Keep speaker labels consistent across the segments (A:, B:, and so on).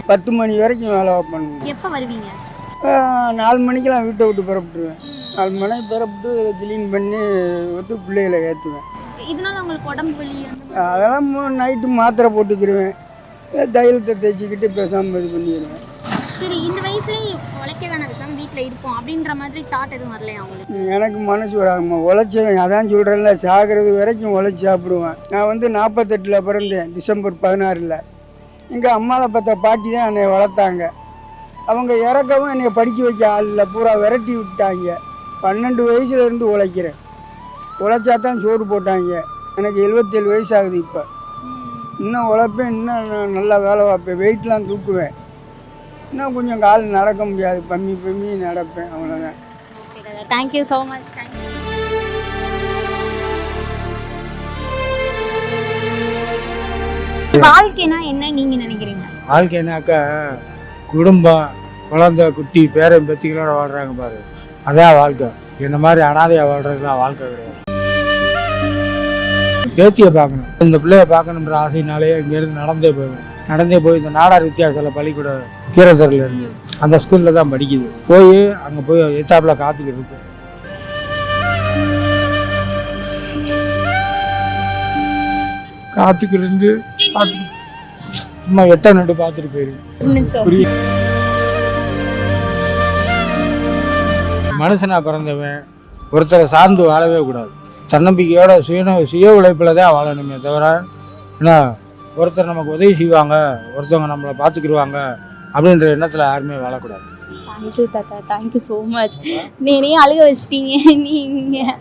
A: 10 மணி வரைக்கும் வேலை பண்ணுவேன்.
B: எப்போ வருவீங்க?
A: 4 மணிக்கெலாம் வீட்டை விட்டு புறப்பட்டுருவேன். 4 மணிக்கு புறப்பட்டு க்ளீன் பண்ணி வந்து பிள்ளைகளை ஏற்றுவேன்.
B: இதனால உங்களுக்கு உடம்பு வலி
A: அதெல்லாம் நைட்டு மாத்திரை போட்டுக்கிடுவேன். தைலத்தை தேய்ச்சிக்கிட்டு பேசாமல் இது பண்ணிடுவேன்.
B: சரி, இந்த வயசுலேயே உழைக்க வேணாம், பேசாமல் வீட்டில் இருப்போம் அப்படின்ற மாதிரி தாட் எதுவும் வரலையா உங்களுக்கு?
A: எனக்கு மனசு வராங்கம்மா. உழைச்சவன் அதான் சொல்கிறேன்ல, சாகிறது வரைக்கும் உழைச்சி சாப்பிடுவேன். நான் வந்து 48 பிறந்தேன், டிசம்பர் 16. எங்கள் அம்மாவை பார்த்த பாட்டி தான் என்னை வளர்த்தாங்க. அவங்க இறக்கவும் என்னை படிக்க வைக்க ஆள் இல்லை, பூரா விரட்டி விட்டாங்க. 12 வயசுலேருந்து உழைக்கிறேன். உழைச்சா தான் சோறு போட்டாங்க. எனக்கு 77 வயசு ஆகுது. இப்போ இன்னும் உழைப்பேன், இன்னும் நான் நல்லா வேலை பார்ப்பேன், வெயிட்லாம் தூக்குவேன். இன்னும் கொஞ்சம் கால் நடக்க முடியாது, பம்மி நடப்பேன், அவ்வளோதான்.
B: Thank you so much. தேங்க்யூ. வாழ்க்கைனா என்ன நீங்க நினைக்கிறீங்க?
C: வாழ்க்கைனாக்கா குடும்பம், குழந்தை, குட்டி, பேரன் பேத்திகளோட வாழ்றாங்க பாரு, அதான் வாழ்க்கை. இந்த மாதிரி அனாதையாக வாழ்றதுலாம் வாழ்க்கை கிடையாது. பேத்தியை பார்க்கணும், இந்த பிள்ளைய பார்க்கணுன்ற ஆசையினாலே இங்கேருந்து நடந்தே போய் இந்த நாடார் வித்தியாசத்தில் பள்ளிக்கூட கீரசரில் இருந்து அந்த ஸ்கூலில் தான் படிக்குது. போய் அங்கே போய் எச்சாப்பில் காத்துக்கிட்டு இருக்கு. காத்துக்கிட்டு இருந்து சும்மா 8 நட்டு பார்த்துட்டு போயிருக்கு. மனுஷனா பிறந்தவன் ஒருத்தரை சார்ந்து வாழவே கூடாது. தன்னம்பிக்கையோட சுய உழைப்பில் தான் வாழணுமே தவிர, ஏன்னா ஒருத்தர் நமக்கு உதவி செய்வாங்க, ஒருத்தவங்க நம்மளை பார்த்துக்கிடுவாங்க அப்படின்ற எண்ணத்தில் யாருமே வாழக்கூடாது.
B: தேங்க்யூ தாத்தா, தேங்க்யூ ஸோ மச். நீனே அழுக வச்சிட்டீங்க நீங்கள்.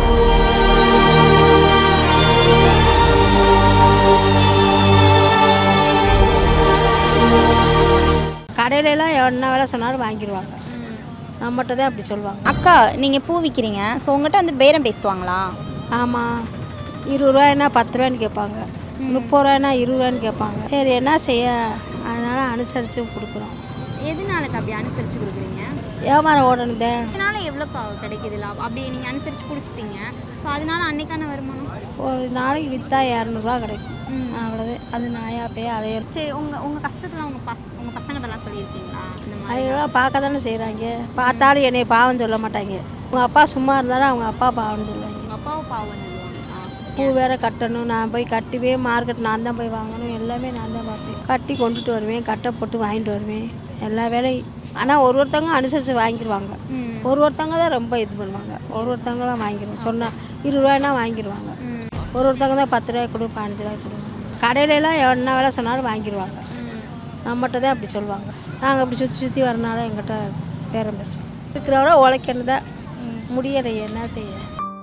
D: கடையிலலாம் என்ன வேலை சொன்னாலும் வாங்கிடுவாங்க, நம்மகிட்ட தான் அப்படி சொல்லுவாங்க.
B: அக்கா, நீங்கள் பூ விற்கிறீங்க, ஸோ உங்கள்கிட்ட வந்து பேரம் பேசுவாங்களா?
D: ஆமாம், 20 ரூபாய்னா 10 ரூபான்னு கேட்பாங்க, 30 ரூபாய்னா 20 ரூபான்னு கேட்பாங்க. சரி என்ன செய்ய, அதனால் அனுசரித்து கொடுக்குறோம்.
B: எதனாலக்கு அப்படி அனுசரித்து கொடுக்குறீங்க?
D: வியாபாரம் ஓடணுதேன்.
B: அதனால எவ்வளோக்கா கிடைக்குது லாபம்? அப்படி நீங்கள் அனுசரித்து கொடுத்துட்டீங்க, ஸோ அதனால அன்னைக்கான வருமானம்
D: ஒரு நாளைக்கு விற்றா 200 ரூபா கிடைக்கும், அவ்வளோதான். அது நாயா போய் அலையும்.
B: சரி, உங்கள் கஷ்டத்தில் உங்கள் பசங்கள்லாம் சொல்லியிருக்கீங்களா?
D: அதெல்லாம் பார்க்க தானே செய்கிறாங்க. பார்த்தாலும் என்னை பாவம் சொல்ல மாட்டாங்க. உங்கள் அப்பா சும்மா இருந்தாலும் அவங்க அப்பா பாவம்னு சொல்லுவாங்க.
B: உங்கள் அப்பாவை பாவம் சொல்லுவாங்க.
D: பூ வேற கட்டணும், நான் போய் கட்டுவே, மார்க்கெட் நான் தான் போய் வாங்கணும், எல்லாமே நான் தான் பார்ப்பேன். கட்டி கொண்டுட்டு வருவேன், கட்டை போட்டு வாங்கிட்டு வருவேன், எல்லா வேலையும். ஆனால் ஒருத்தவங்க அனுசரித்து வாங்கிடுவாங்க, ஒருத்தவங்க தான் ரொம்ப இது பண்ணுவாங்க. ஒருத்தவங்களாம் வாங்கிடுவோம், சொன்னால் 20 ரூபாய்னா வாங்கிடுவாங்க. ஒருத்தவங்க தான் 10 ரூபாய் கொடு, 15 ரூபாய் கொடுவாங்க. கடையிலலாம் என்ன வேலை சொன்னாலும் வாங்கிடுவாங்க, நம்மகிட்ட தான் அப்படி சொல்லுவாங்க. நாங்கள் அப்படி சுற்றி வரனால எங்கிட்ட பேரம் பேசுவோம். இருக்கிறவரை உழைக்கணும் தான், முடியலையே, என்ன செய்ய.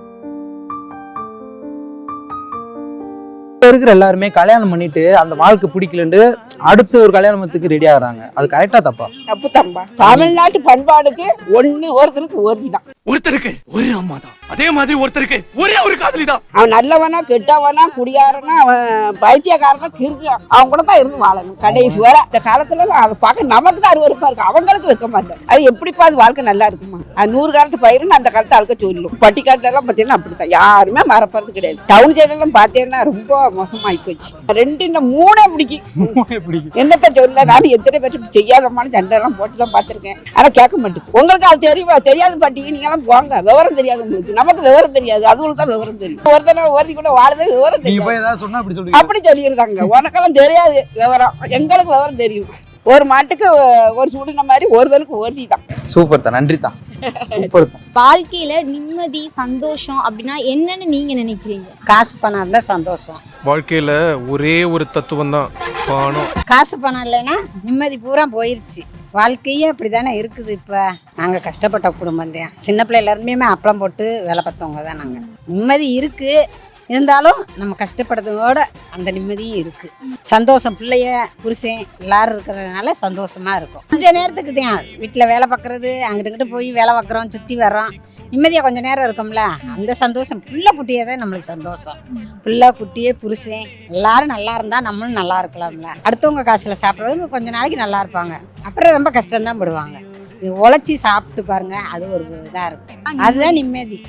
E: இப்போ இருக்கிற எல்லாருமே கல்யாணம் பண்ணிட்டு அந்த வாழ்க்கை பிடிக்கலன்னு அடுத்த ஒரு கல்யாணத்துக்கு ரெடி ஆகுறாங்க. அது கரெக்டா தப்பா?
F: தப்பு தம்பா. தமிழ்நாட்டு பண்பாடுக்கு ஒருத்தருக்கு ஒருத்திதான்.
G: ஒருத்தருக்கு ஒரு அம்மா தான், அதே மாதிரி ஒருத்தருக்கு ஒரே ஒரு காதலி தான்.
F: அவன் நல்லவனா கெட்டவனா குடியாரனா அவன் பைத்தியக்காரனா கிறுக்கான், அவன் கூட தான் இருந்து வாழணும் கடைசி வர. இந்த காலத்துல அதை பார்க்க நமக்கு தான் அருவருப்பா இருக்கு, அவங்களுக்கு வைக்க மாட்டேன். அது எப்படிப்பா அது வாழ்க்கை நல்லா இருக்குமா? அது 100 காலத்து பயிருன்னு அந்த காலத்தை அழுக்க சொல்லும். பட்டிக்காட்டுல எல்லாம் பாத்தீங்கன்னா அப்படித்தான், யாருமே மறப்பறது கிடையாது. டவுன் சைடு எல்லாம் பாத்தீங்கன்னா ரொம்ப மோசமாயி போச்சு. 2 இந்த 3 பிடிக்கும். என்னத்த சொல்ல, நானும் எத்தனை பேருக்கு செய்யாதமான சண்டை எல்லாம் போட்டுதான் பாத்திருக்கேன். ஆனா கேட்க மாட்டேன். உங்களுக்கு அது தெரியுமா? தெரியாது பாட்டி, நீங்க எல்லாம் போங்க, விவரம் தெரியாது உங்களுக்கு. நமக்கு விவரம் தெரியாது, அதுங்களுக்கு தான் விவரம் தெரியும். ஒருத்தனை ஒருத்தி கூட வாழவே விவரம் தெரியும், அப்படி சொல்லியிருந்தாங்க. உனக்கெல்லாம் தெரியாது விவரம், எங்களுக்கு விவரம் தெரியும். ஒரு மாட்டுக்கு ஒரு சுடுன மாதிரி ஒருத்தனுக்கு ஒருத்தி தான்.
E: சூப்பர் தான், நன்றி தான்.
B: வாழ்க்கையில நிம்மதி, சந்தோஷம் அப்படின்னா என்னன்னு நீங்க நினைக்கிறீங்க?
H: காசு பணம் இருந்தா சந்தோஷம்.
G: வாழ்க்கையில ஒரே ஒரு தத்துவம் தான், பணம்.
H: காசு பணம் இல்லைன்னா நிம்மதி பூரா போயிருச்சு. வாழ்க்கையே அப்படி தானே இருக்குது. இப்போ நாங்கள் கஷ்டப்பட்ட குடும்பம் தான், சின்ன பிள்ளைல இருந்துமே அப்பளம் போட்டு வேலை பார்த்தவங்க தான் நாங்கள். நிம்மதி இருக்குது, இருந்தாலும் நம்ம கஷ்டப்படுறதோட அந்த நிம்மதியும் இருக்குது. சந்தோஷம், பிள்ளைய புருஷன் எல்லாரும் இருக்கிறதுனால சந்தோஷமா இருக்கும். கொஞ்சம் நேரத்துக்கு தான் வீட்டில் வேலை பார்க்குறது, அங்கிட்டு போய் வேலை பார்க்குறோம், சுற்றி வர்றோம், நிம்மதியாக கொஞ்சம் நேரம் இருக்கும்ல, அந்த சந்தோஷம். பிள்ளை குட்டியே தான் நம்மளுக்கு சந்தோஷம். பிள்ளை குட்டியே புருஷன் எல்லாரும் நல்லா இருந்தால் நம்மளும் நல்லா இருக்கலாம்ல. அடுத்தவங்க காசில் சாப்பிட்றவங்க கொஞ்ச நாளைக்கு நல்லா இருப்பாங்க, அப்புறம் ரொம்ப கஷ்டம்தான் படுவாங்க. இது உழைச்சி சாப்பிட்டு பாருங்க, அது ஒரு இதாக இருக்கும், அதுதான் நிம்மதி.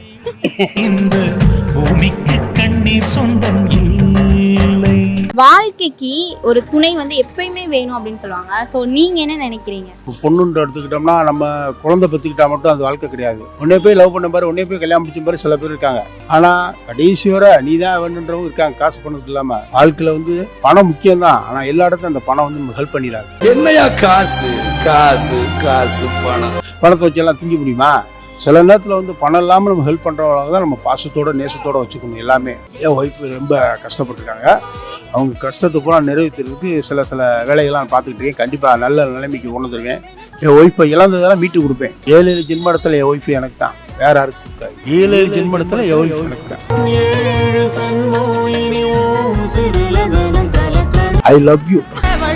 B: வாழ்க்கைக்கு ஒரு துணை வந்து எப்பயுமே வேணும் அப்படின்னு சொல்லுவாங்க. ஸோ நீங்க என்ன நினைக்கிறீங்க?
I: பொண்ணுன்ற எடுத்துக்கிட்டோம்னா நம்ம குழந்தை பற்றிக்கிட்டா மட்டும் அது வாழ்க்கை கிடையாது. உன்னே போய் லவ் பண்ண பாரு, உன்னே போய் கல்யாணம் முடிச்ச பாரு சில பேர் இருக்காங்க. ஆனால் கடைசி வரை நீ தான் வேணுன்றவங்க இருக்காங்க. காசு பண்ணதுக்கு இல்லாமல் வாழ்க்கையில் வந்து பணம் முக்கியம்தான். ஆனால் எல்லா இடத்துலையும் அந்த பணம் வந்து ஹெல்ப் பண்ணிடாது.
G: என்னையா காசு காசு காசு பணம்
I: பணத்தை வச்செல்லாம் திங்க முடியுமா? சில நேரத்தில் வந்து பணம் இல்லாமல் நம்ம ஹெல்ப் பண்ணுறவங்க தான் நம்ம பாசத்தோட நேசத்தோடு வச்சுக்கணும். எல்லாமே என் ஒய்ஃப் ரொம்ப கஷ்டப்பட்டுருக்காங்க. அவங்க கஷ்டத்தை பூரா நிறைவேற்றுறதுக்கு சில வேலைகள்லாம் பார்த்துக்கிட்டு இருக்கேன். கண்டிப்பாக நல்ல நிலைமைக்கு கொண்டு வந்துருவேன். என் ஒய்ஃபை இழந்ததெல்லாம் மீட்டு கொடுப்பேன். 7 ஜென்மடத்தில் என் ஒய்ஃபு எனக்கு தான், வேற யாருக்கும் இருக்காது. 7 ஜென்மடத்தில் என் ஒய்ஃப் எனக்கு தான். I love you.